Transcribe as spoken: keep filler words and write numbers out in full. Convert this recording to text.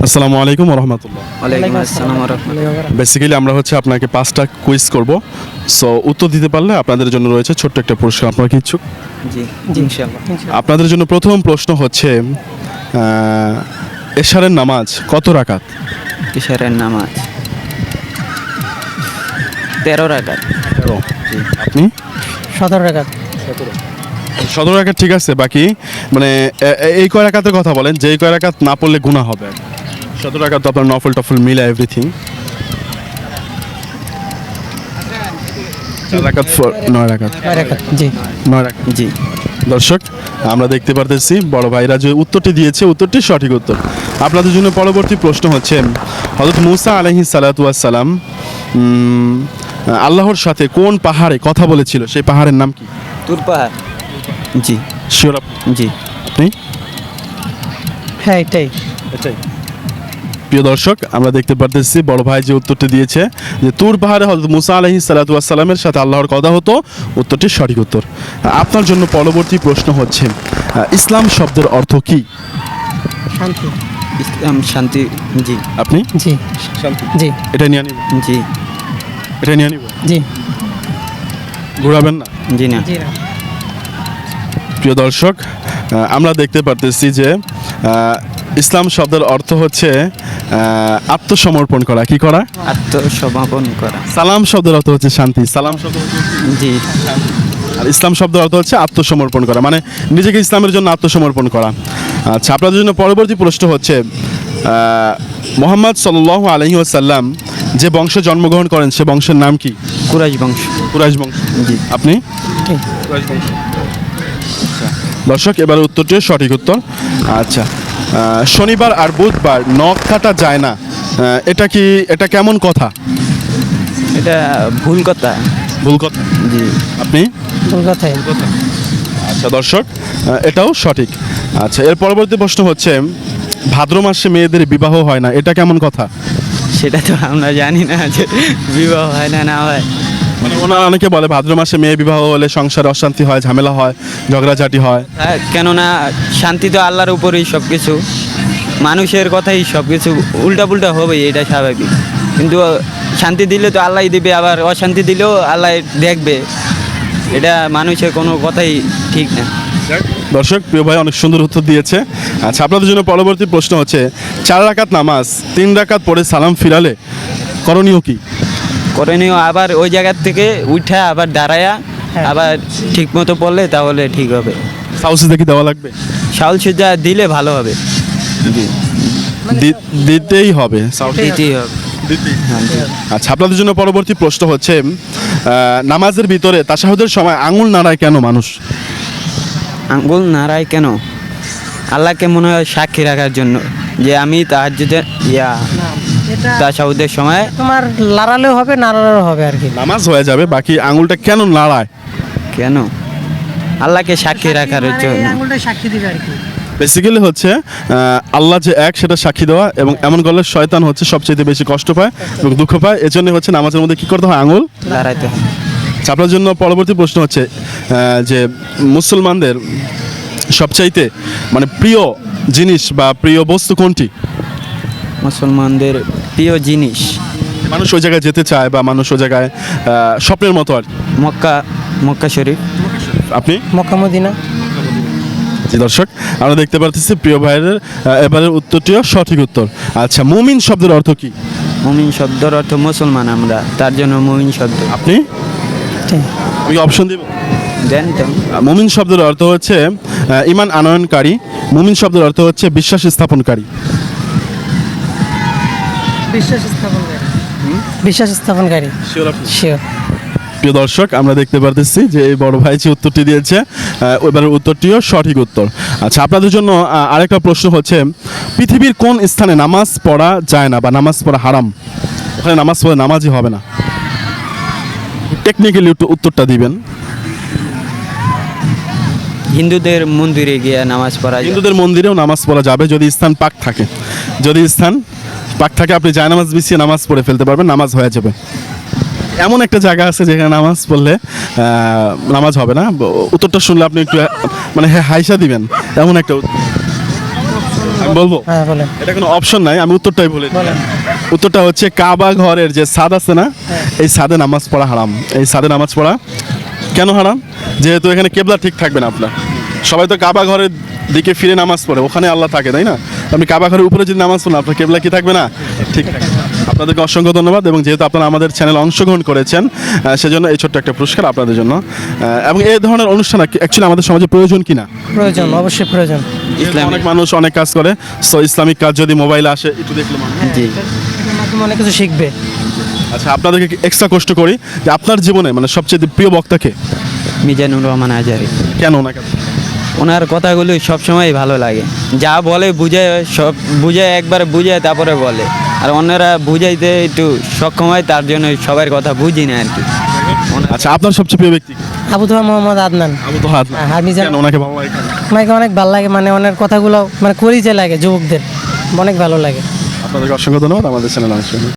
আসসালামু আলাইকুম ওয়া রাহমাতুল্লাহ। ওয়ালাইকুম আসসালাম ওয়া রাহমাতুল্লাহ। বেসিক্যালি আমরা হচ্ছে আপনাকে পাঁচটা কুইজ করব, সো উত্তর দিতে পারলে আপনাদের জন্য রয়েছে ছোট্ট একটা পুরস্কার। আপনারা কি ইচ্ছুক? জি জি ইনশাআল্লাহ। আপনাদের জন্য প্রথম প্রশ্ন হচ্ছে আহ, এশারের নামাজ কত রাকাত? ইশারের নামাজ তেরো রাকাত। তেরো। আপনি? সতেরো রাকাত। সতেরো রাকাত ঠিক আছে, বাকি মানে এ- এ- এই কয় রাকাতের কথা বলেন, যেই কয় রাকাত না পড়লে গুনাহ হবে। সতেরো রাকাত তো আপনার নফল টফল মিলে এভরিথিং। চার রাকাত ফর- নয় রাকাত নয় রাকাত। জি নয় রাকাত। জি দর্শক, আমরা দেখতে পারতেছি বড় ভাইরা যে উত্তরটি দিয়েছে, উত্তরটি সঠিক উত্তর। আপনাদের জন্য পরবর্তী প্রশ্ন হচ্ছে, হযরত মুসা আলাইহিস সালাতু ওয়াস সালাম উম, আল্লাহর সাথে কোন পাহাড়ে কথা বলেছিল, সেই পাহাড়ের নাম কি? তুর পাহাড়। জি শিওর জি আপনি? হ্যাঁ এটাই। এটাই। প্রিয় দর্শক, আমরা দেখতে পারতেছি বড় ভাই যে উত্তরটি দিয়েছে যে তুর পাহাড়ে হযরত মুসা আলাইহিস সালাতু ওয়াস সালামের সাথে আল্লাহর কথা হতো, উত্তরটি সঠিক উত্তর। আপনার জন্য পরবর্তী প্রশ্ন হচ্ছে, আহ, ইসলাম শব্দের অর্থ কি? শান্তি। ইসলাম শান্তি। জি আপনি? জি শান্তি। জি এটা নিয়ে নিব, জি এটা নিয়ে নিব, জি ঘুরাবেন না। জি না জি না। প্রিয় দর্শক, আহ, আমরা দেখতে পারতেছি যে আহ, ইসলাম শব্দের অর্থ হচ্ছে আহ, আত্মসমর্পণ করা। কি করা? আত্মসমর্পণ করা। সালাম শব্দের অর্থ হচ্ছে শান্তি। সালাম শব্দ হচ্ছে, জি আর ইসলাম শব্দের অর্থ হচ্ছে আত্মসমর্পণ করা, মানে নিজেকে ইসলামের জন্য আত্মসমর্পণ করা। আচ্ছা, আপনাদের জন্য পরবর্তী প্রশ্ন হচ্ছে, আহ, মোহাম্মদ সাল্লাল্লাহু আলাইহি ওয়াসাল্লাম যে বংশে জন্মগ্রহণ করেন, সে বংশের নাম কি? কুরাইশ বংশ। কুরাইশ বংশ। জি আপনি? ঠিক। দর্শক, এবার উত্তরটিও সঠিক উত্তর। আচ্ছা, আহ, শনিবার আর বুধবার নখ কাটা যায় না, আহ, এটা কি, এটা কেমন কথা? এটা ভুল কথা। ভুল কথা। জি আপনি? ভুল কথাই। আচ্ছা দর্শক, আহ, এটাও সঠিক। আচ্ছা, এর পরবর্তী প্রশ্ন হচ্ছে, ভাদ্র মাসে মেয়েদের বিবাহ হয় না, এটা কেমন কথা? সেটা তো আমরা জানি না যে বিবাহ হয় না না হয়। মানে ওনারা অনেকে বলে ভাদ্র মাসে মেয়ে বিবাহ হলে সংসারে অশান্তি হয়, ঝামেলা হয়, ঝগড়াঝাটি হয়। হ্যাঁ, কেননা শান্তি তো আল্লাহর উপরেই সব কিছু, মানুষের কথাই সব কিছু উল্টা পুল্টা হবেই, এটা স্বাভাবিক। কিন্তু শান্তি দিলে তো আল্লাহই দিবে, আবার অশান্তি দিলেও আল্লাহ দেখবে। এটা মানুষের কোনো কথাই ঠিক না। দর্শক, প্রিয় ভাই অনেক সুন্দর উত্তর দিয়েছে। আচ্ছা, আপনাদের জন্য পরবর্তী প্রশ্ন হচ্ছে, চার রাকাত নামাজ তিন রাকাত পরে সালাম ফিরালে করণীয় কি? করণীয় আবার ওই জায়গার থেকে উঠা আবার দাঁড়ায়া আবার ঠিক মতো পড়লে তাহলে ঠিক হবে। সাউসিদা কি দেওয়া লাগবে? শাউল সুজা দিলে ভালো হবে। দি- দিতেই হবে, সাউসি দিতেই হবে। দিতেই। হ্যাঁ, জি। আচ্ছা, আপনাদের জন্য পরবর্তী প্রশ্ন হচ্ছে, আহ, নামাজের ভিতরে তাশাহুদের সময় আঙুল নাড়ায় কেন মানুষ? আঙ্গুল নাড়ায় কেন? আল্লাহকে মনে হয় সাক্ষী রাখার জন্য যে আমি তাহাজ্জুদে ইয়া এটা তাশাহুদের সময় তোমার লড়ালেও হবে না লড়ালেও হবে আর কি। নামাজ হয়ে যাবে, বাকি আঙুলটা কেন নাড়ায়? কেন? আল্লাহকে সাক্ষী রাখার মানে জন্য। এই আঙুলটা সাক্ষী দিবে আর কি। বেসিক্যালি হচ্ছে আহ, আল্লাহ যে এক সেটা সাক্ষী দেওয়া, এবং এমন করলে শয়তান হচ্ছে সবচেয়ে বেশি কষ্ট পায় এবং দুঃখ পায়। এজন্য হচ্ছে নামাজের মধ্যে কি করতে হয়? আঙুল। দাঁড়াইতে হবে। আচ্ছা, আপনার জন্য পরবর্তী প্রশ্ন হচ্ছে, আহ, যে মুসলমানদের সবচাইতে মানে প্রিয় জিনিস বা প্রিয় বস্তু কোনটি? মুসলমানদের প্রিয় জিনিস মানুষ ওই জায়গায় যেতে চায় বা মানুষ ওই জায়গায় আহ, স্বপ্নের মতো আর কি। মক্কা, মক্কা শরীফ। আপনি? Mecca Medina. জি দর্শক, আমরা দেখতে পাচ্ছি প্রিয় ভাইয়ের আহ, এবারের উত্তরটিও সঠিক উত্তর। আচ্ছা, মুমিন শব্দের অর্থ কি? মুমিন শব্দের অর্থ মুসলমান, আমরা তার জন্য মুমিন শব্দ। আপনি? ঠিক। আমি অপশন দিব। জানি তো। মুমিন শব্দের অর্থ হচ্ছে আহ, ঈমান আনয়নকারী। মুমিন শব্দের অর্থ হচ্ছে বিশ্বাস স্থাপনকারী। বিশ্বাস স্থাপনকারী। বিশ্বাস স্থাপনকারী। শিওর। প্রিয় দর্শক, আমরা দেখতে পারতেছি যে এই বড় ভাই যে উত্তরটি দিয়েছে, আহ, এবারের উত্তরটিও সঠিক উত্তর। আচ্ছা, আপনাদের জন্য আহ, আরেকটা প্রশ্ন হচ্ছে, পৃথিবীর কোন স্থানে নামাজ পড়া যায় না বা নামাজ পড়া হারাম? ওখানে নামাজ পড়ে নামাজই হবে না। টেকনিক্যালি উত্তরটা দিবেন। হিন্দুদের মন্দিরে গিয়ে নামাজ পড়া যায়। হিন্দুদের মন্দিরেও নামাজ পড়া যাবে যদি স্থান পাক থাকে। যদি স্থান পাক থাকে, আপনি যায় নামাজ বিছিয়ে নামাজ পড়ে ফেলতে পারবেন, নামাজ হয়ে যাবে। এমন একটা জায়গা আছে যেখানে নামাজ পড়লে আহ, নামাজ হবে না। ব- উত্তরটা শুনলে আপনি একটু আহ, মানে হ্যাঁ হাইসা দিবেন, এমন একটা উত্তর। আমি বলবো হ্যাঁ বলেন এটা কোনো অপশন নাই, আমি উত্তরটাই বলে দিই। বলেন উত্তরটা হচ্ছে কাবা ঘরের যে ছাদ আছে না, এই ছাদে নামাজ পড়া হারাম। এই ছাদে নামাজ পড়া কেন হারাম? যেহেতু এখানে কেবলা ঠিক থাকবে না আপনার। সবাই তো কাবা ঘরের দিকে ফিরে নামাজ পড়ে, ওখানে আল্লাহ থাকে, তাই না? আপনি কাবা ঘরের উপরে যদি নামাজ পড়েন আপনার কেবলা কি থাকবে না? ঠিক থাকবে। আপনাদেরকে অসংখ্য ধন্যবাদ, এবং যেহেতু আপনারা আমাদের চ্যানেলে অংশগ্রহণ করেছেন আহ, সেজন্য এই ছোট্ট একটা পুরস্কার আপনাদের জন্য। আহ, এবং এই ধরনের অনুষ্ঠান অ্যাকচুয়ালি আমাদের সমাজে প্রয়োজন কিনা? প্রয়োজন, অবশ্যই প্রয়োজন। ইসলামিক অনেক মানুষ অনেক কাজ করে, সো ইসলামিক কাজ যদি মোবাইলে আসে একটু দেখলে মানুষ। জি এটার মাধ্যমে অনেক কিছু শিখবে। আচ্ছা, আপনাদেরকে এক্সট্রা কষ্ট করি যে আপনার জীবনে মানে সবচেয়ে প্রিয় বক্তাকে মিজানুর রহমান আজারি। কেন ওনাকে? ওনার কথাগুলো সবসময় ভালো লাগে, যা বলে বুঝায়, সব বুঝায় একবার বুঝায় তারপরে বলে, আর অন্যরা বুঝাইতে একটু সক্ষম হয়, তার জন্য সবার কথা বুঝি না আর কি। আচ্ছা, আপনার সবচেয়ে প্রিয় ব্যক্তি কে? আবু তোহা মোহাম্মদ আদনান। আবু তো হাত হ্যাঁ, আমি জানি। কেন ওনাকে ভালো লাগে? কেন? আমাকে অনেক ভালো লাগে, মানে ওনার কথাগুলো মানে করিতে লাগে যুবকদের, অনেক ভালো লাগে। আপনাদেরকে অসংখ্য ধন্যবাদ আমাদের চ্যানেল অংশ